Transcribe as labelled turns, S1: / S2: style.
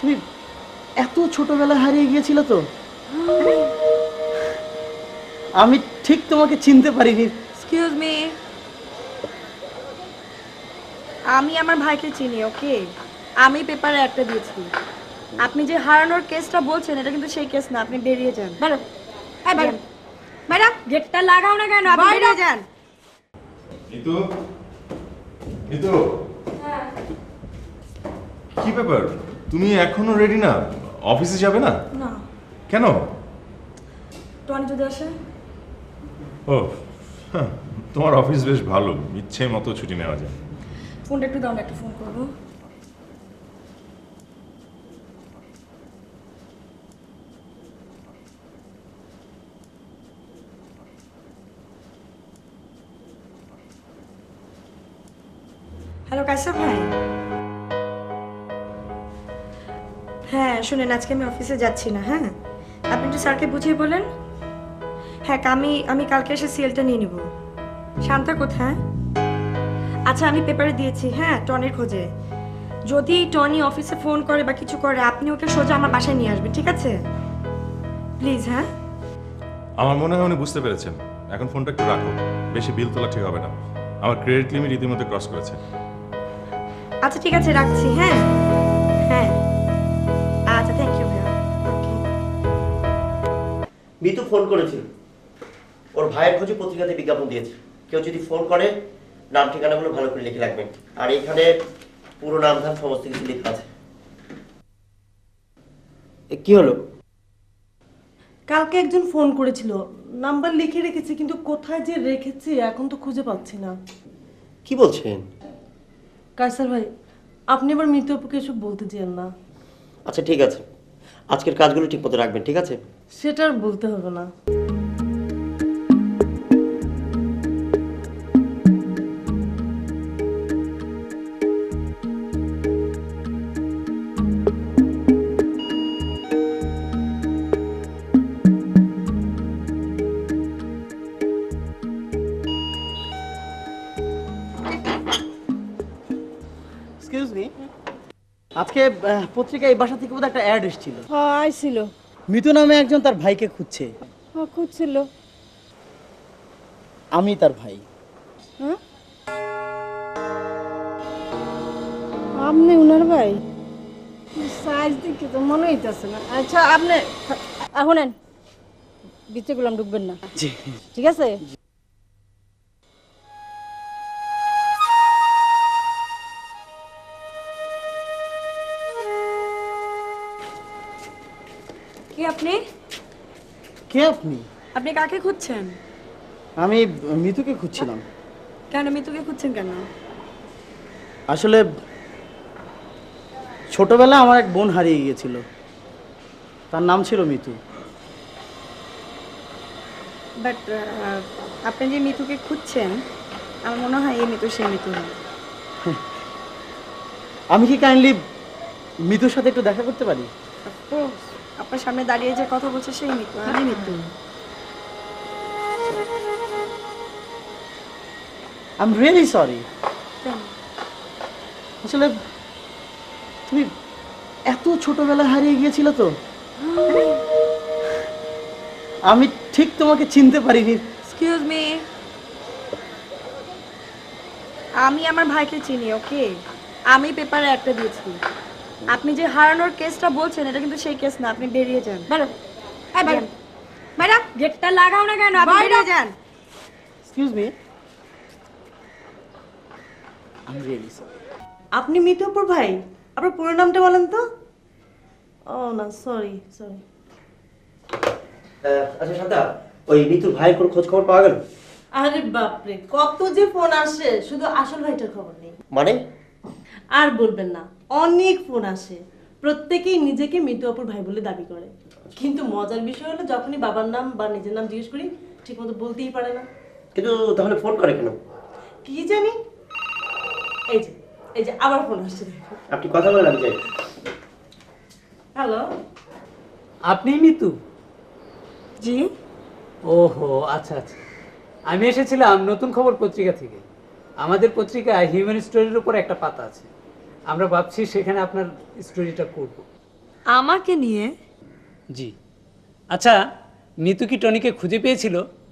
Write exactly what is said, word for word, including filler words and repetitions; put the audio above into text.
S1: তুমি এত ছোটবেলা হারিয়ে গিয়েছিল তো? আমি ঠিক তোমাকে চিনতে পারিনি।
S2: এক্সকিউজ মি, আমি আমার ভাইকে চিনি। ওকে, আমি পেপারে একটা দিয়েছি। আপনি যে হারানোর কেসটা বলছেন এটা কিন্তু সেই কেস না। আপনি বেরিয়ে যান।
S3: ম্যাডাম, এই ম্যাডাম,
S2: ম্যাডাম গেটটা লাগাও না কেন? আপনি বেরিয়ে যান।
S4: মিতু, মিতু, কি ব্যাপার? তুমি এখনো রেডি না? অফিসে যাবে না?
S2: না,
S4: কেন?
S2: টনি যদি আসে?
S4: ও হ্যাঁ, তোমার অফিস বেশ ভালো, ইচ্ছে মতো ছুটি নেওয়া যায়।
S2: ফোনটা একটু দাও না, একটা ফোন করবো। হ্যালো কাইসার ভাই। হ্যাঁ শুনেন, আজকে আমি অফিসে যাচ্ছি না। হ্যাঁ, আপনি একটু স্যারকে বুঝিয়ে বলেন। হ্যাঁ, আমি আমি কালকে এসে সিএলটা নিয়ে নিব। শান্তা কোথায়? আচ্ছা আমি পেপারে দিয়েছি। হ্যাঁ, টনির খোঁজে। যদি টনি অফিসে ফোন করে বা কিছু করে, আপনি ওকে সোজা আমার বাসায় নিয়ে আসবেন, ঠিক আছে? প্লিজ। হ্যাঁ,
S4: আমার মনে হয় উনি বুঝতে পেরেছেন। এখন ফোনটা একটু রাখো, বেশি বিল তোলা ঠিক হবে না। আমার ক্রেডিট লিমিট ইতিমধ্যে ক্রস করেছে।
S2: আচ্ছা ঠিক আছে, রাখছি। হ্যাঁ হ্যাঁ, আচ্ছা থ্যাংক ইউ ভাইয়া। ওকে।
S1: মিতু ফোন করেছিল, ওর ভাইয়ের খোঁজে পত্রিকাতে বিজ্ঞাপন দিয়েছে। কেউ যদি ফোন করে নাম ঠিকানাগুলো ভালো করে লিখে রাখবেন, আর এখানে পুরো নাম ধাম সমস্ত কিছু লেখা আছে। এ, কি হলো?
S3: কালকে একজন ফোন করেছিল, নাম্বার লিখে রেখেছি, কিন্তু কোথায় যে রেখেছি এখন তো খুঁজে পাচ্ছি না।
S1: কি বলছেন?
S3: কায়সার ভাই, আপনি এবার মৃত অপুকে এসব বলতে চেন না।
S1: আচ্ছা ঠিক আছে, আজকের কাজগুলো ঠিক মতো রাখবেন, ঠিক আছে?
S3: সেটা আর বলতে হবে না।
S1: এক্সকিউজ মি, আজকে আহ, পত্রিকায় এই বাসা থেকে বোধহয় একটা অ্যাড এসেছিল।
S5: হ্যাঁ আইছিল।
S1: মিতু নামে একজন তার ভাইকে খুঁজছে।
S5: হ্যাঁ খুঁজছিল।
S1: আমি তার ভাই।
S5: হ্যাঁ আপনি উনার ভাই? সাইজ দেখে তো মনে হইতেছে না। আচ্ছা আপনি এখনেন বিচে গুলাম ঢুকবেন না,
S1: জি।
S5: ঠিক আছে?
S2: কি আপনি?
S1: কে আপনি?
S2: আপনি কাকে খুঁজছেন?
S1: আমি মিতুকে খুঁজছিলাম।
S2: কেন মিতুকে খুঁজছেন কেন?
S1: আসলে ছোটবেলায় আমার এক বোন হারিয়ে গিয়েছিল, তার নাম ছিল মিতু।
S2: বাট আপনি যে মিতুকে খুঁজছেন, আমার মনে হয় এই মিতু সেই মিতু না।
S1: আমি কি কাইন্ডলি মিতুর সাথে একটু দেখা করতে পারি?
S2: অফকোর্স, আপনার সামনে দাঁড়িয়ে যে কথা বলছে সেই মিতু, আমি Mitu.
S1: I am really sorry.
S2: কেন?
S1: আসলে তুমি এত ছোটবেলায় হারিয়ে গিয়েছিল তো, আমি ঠিক তোমাকে চিনতে পারিনি।
S2: এক্সকিউজ মি, আমি আমার ভাইকে চিনি। ওকে, আমি পেপারে একটা দিয়েছি। আপনি যে হারানোর কেসটা বলছেন এটা কিন্তু সেই কেস না। আপনি বেরিয়ে যান।
S3: ম্যাডাম, এই ম্যাডাম,
S2: ম্যাডাম গেটটা লাগাও না কেন? আপনি বেরিয়ে যান।
S1: Excuse me, I am really sorry.
S3: আপনি মৃত অপুর ভাই? আপনার পুরো নামটা বলেন তো। ও না, সরি সরি।
S1: আচ্ছা শান্তা, ওই মিতুর ভাইয়ের কোনো খোঁজ খবর পাওয়া গেল?
S3: আরে বাপরে, কত যে ফোন আসে, শুধু আসল ভাইটার খবর নেই।
S1: মানে?
S3: আর বলবেন না, অনেক ফোন আসে, প্রত্যেকেই নিজেকে মৃত অপুর ভাই বলে দাবি করে। কিন্তু মজার বিষয় হলো, যখনই বাবার নাম বা নিজের নাম জিজ্ঞেস করি ঠিক মতো বলতেই পারে না।
S1: কিন্তু তাহলে ফোন করে কেন?
S3: কি জানি। এই যে এই যে আবার ফোন আসছে।
S1: আপনি কথা বলেন, আমি যাই।
S3: হ্যালো,
S6: আপনি মিতু?
S2: জি।
S6: ওহো আচ্ছা আচ্ছা, আমি এসেছিলাম নতুন খবর পত্রিকা থেকে। আমাদের পত্রিকায় হিউম্যান স্টোরির উপর একটা পাতা আছে, আমরা ভাবছি সেখানে আপনার স্টোরিটা করব।
S2: আমাকে নিয়ে?
S6: জি। আচ্ছা, নিতু কি টনিকে খুঁজে পেয়েছিল